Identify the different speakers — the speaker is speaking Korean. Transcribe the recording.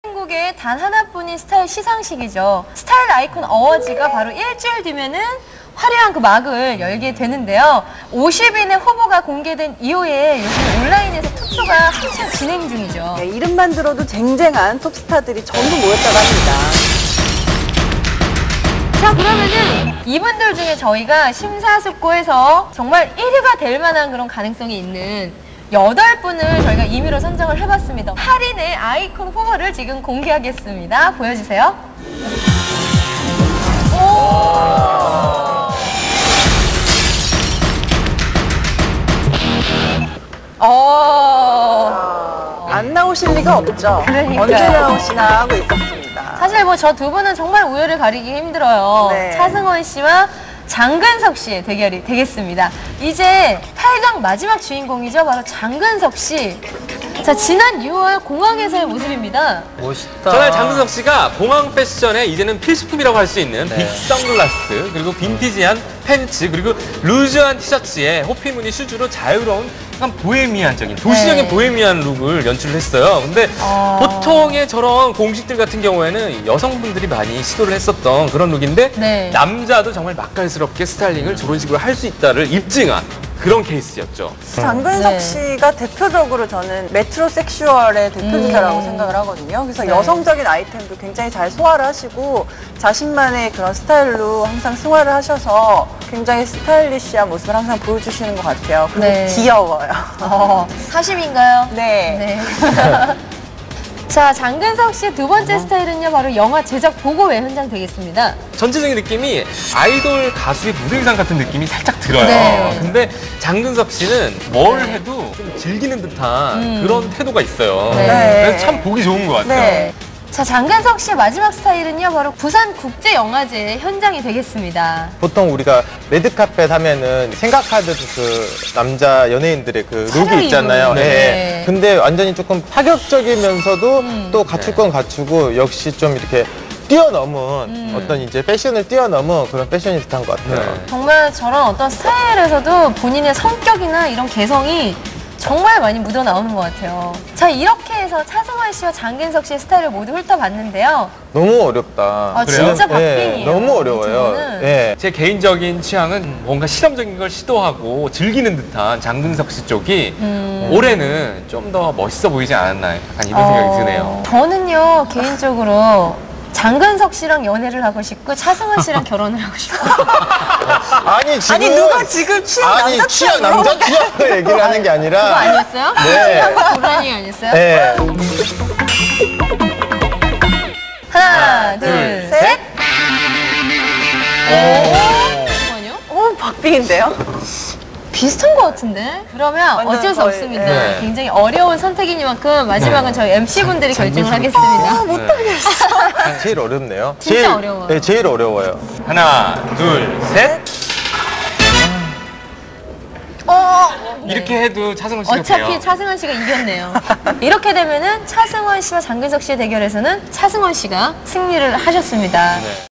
Speaker 1: 한국에 단 하나뿐인 스타일 시상식이죠. 스타일 아이콘 어워즈가 바로 일주일 뒤면은 화려한 그 막을 열게 되는데요. 50인의 후보가 공개된 이후에 요즘 온라인에서 투표가 한창 진행 중이죠.
Speaker 2: 네, 이름만 들어도 쟁쟁한 톱스타들이 전부 모였다고 합니다.
Speaker 1: 자, 그러면은 이분들 중에 저희가 심사숙고해서 정말 1위가 될 만한 그런 가능성이 있는 8분을 저희가 임의로 선정을 해봤습니다. 8인의 아이콘 후보를 지금 공개하겠습니다. 보여주세요.
Speaker 2: 안 나오실 리가 없죠.
Speaker 1: 그러니까요.
Speaker 2: 언제 나오시나 하고 있었습니다.
Speaker 1: 사실 뭐 저 두 분은 정말 우열을 가리기 힘들어요.
Speaker 2: 네.
Speaker 1: 차승원 씨와 장근석 씨의 대결이 되겠습니다. 이제 8강 마지막 주인공이죠. 바로 장근석 씨. 자, 지난 6월 공항에서의 모습입니다.
Speaker 3: 멋있다.
Speaker 4: 전날 장근석 씨가 공항 패션에 이제는 필수품이라고 할 수 있는
Speaker 3: 네.
Speaker 4: 빅 선글라스, 그리고 빈티지한 팬츠, 그리고 루즈한 티셔츠에 호피 무늬 슈즈로 자유로운 약간 보헤미안적인, 도시적인
Speaker 1: 네.
Speaker 4: 보헤미안 룩을 연출을 했어요. 근데 보통의 저런 공식들 같은 경우에는 여성분들이 많이 시도를 했었던 그런 룩인데
Speaker 1: 네.
Speaker 4: 남자도 정말 맛깔스럽게 스타일링을 저런 식으로 할 수 있다를 입증한 그런 케이스였죠.
Speaker 2: 장근석
Speaker 1: 네.
Speaker 2: 씨가 대표적으로 저는 메트로섹슈얼의 대표주자라고 생각을 하거든요. 그래서
Speaker 1: 네.
Speaker 2: 여성적인 아이템도 굉장히 잘 소화를 하시고 자신만의 그런 스타일로 항상 승화를 하셔서 굉장히 스타일리시한 모습을 항상 보여주시는 것 같아요. 그리고
Speaker 1: 네.
Speaker 2: 귀여워요.
Speaker 1: 사심인가요?
Speaker 2: 네.
Speaker 1: 네. 자, 장근석 씨의 두 번째 스타일은요, 바로 영화 제작 보고회 현장 되겠습니다.
Speaker 4: 전체적인 느낌이 아이돌 가수의 무대 의상 같은 느낌이 살짝 들어요.
Speaker 1: 네.
Speaker 4: 근데 장근석 씨는 뭘 해도 좀 즐기는 듯한 그런 태도가 있어요.
Speaker 1: 네.
Speaker 4: 그래서 참 보기 좋은 것 같아요.
Speaker 2: 네.
Speaker 1: 자, 장근석 씨의 마지막 스타일은요, 바로 부산국제영화제 현장이 되겠습니다.
Speaker 3: 보통 우리가 레드카펫 하면은 생각하듯 그 남자 연예인들의 그
Speaker 1: 차려입은,
Speaker 3: 룩이 있잖아요.
Speaker 1: 네.
Speaker 3: 예. 근데 완전히 조금 파격적이면서도 또 갖출 건 갖추고 역시 좀 이렇게 뛰어넘은 어떤 이제 패션을 뛰어넘은 그런 패셔니스타인 것 같아요.
Speaker 4: 네.
Speaker 1: 정말 저런 어떤 스타일에서도 본인의 성격이나 이런 개성이 정말 많이 묻어 나오는 것 같아요. 자, 이렇게 해서 차승원 씨와 장근석 씨의 스타일을 모두 훑어봤는데요.
Speaker 3: 너무 어렵다.
Speaker 1: 아, 진짜 박빙이에요.
Speaker 3: 너무 어려워요.
Speaker 1: 이 부분은.
Speaker 3: 예.
Speaker 4: 제 개인적인 취향은 뭔가 실험적인 걸 시도하고 즐기는 듯한 장근석 씨 쪽이 올해는 좀 더 멋있어 보이지 않았나 약간 이런 생각이 드네요.
Speaker 1: 저는요, 개인적으로 장근석 씨랑 연애를 하고 싶고 차승원 씨랑 결혼을 하고 싶어요.
Speaker 3: 아니 지금
Speaker 2: 아니, 누가 지금 취향
Speaker 3: 아니
Speaker 2: 남자
Speaker 3: 취향
Speaker 2: 취향으로?
Speaker 3: 남자 취향을 얘기를 하는 게
Speaker 1: 그거
Speaker 3: 아니라
Speaker 1: 아니었어요?
Speaker 3: 네.
Speaker 1: 고라니 아니었어요?
Speaker 3: 네.
Speaker 1: 하나, 둘,
Speaker 4: 둘,
Speaker 1: 셋. 잠깐만요.
Speaker 2: 박빙인데요?
Speaker 1: 비슷한 것 같은데? 그러면
Speaker 2: 완전
Speaker 1: 어쩔 수
Speaker 2: 거의,
Speaker 1: 없습니다.
Speaker 4: 네.
Speaker 1: 굉장히 어려운 선택이니만큼 마지막은 저희 MC분들이 결정을 하겠습니다.
Speaker 3: 제일 어렵네요.
Speaker 1: 진짜
Speaker 3: 제일,
Speaker 1: 어려워요.
Speaker 3: 네, 제일 어려워요.
Speaker 4: 하나, 둘, 셋. 이렇게 해도 차승원 씨가
Speaker 1: 어차피
Speaker 4: 돼요.
Speaker 1: 차승원 씨가 이겼네요. 이렇게 되면은 차승원 씨와 장근석 씨의 대결에서는 차승원 씨가 승리를 하셨습니다.
Speaker 4: 네.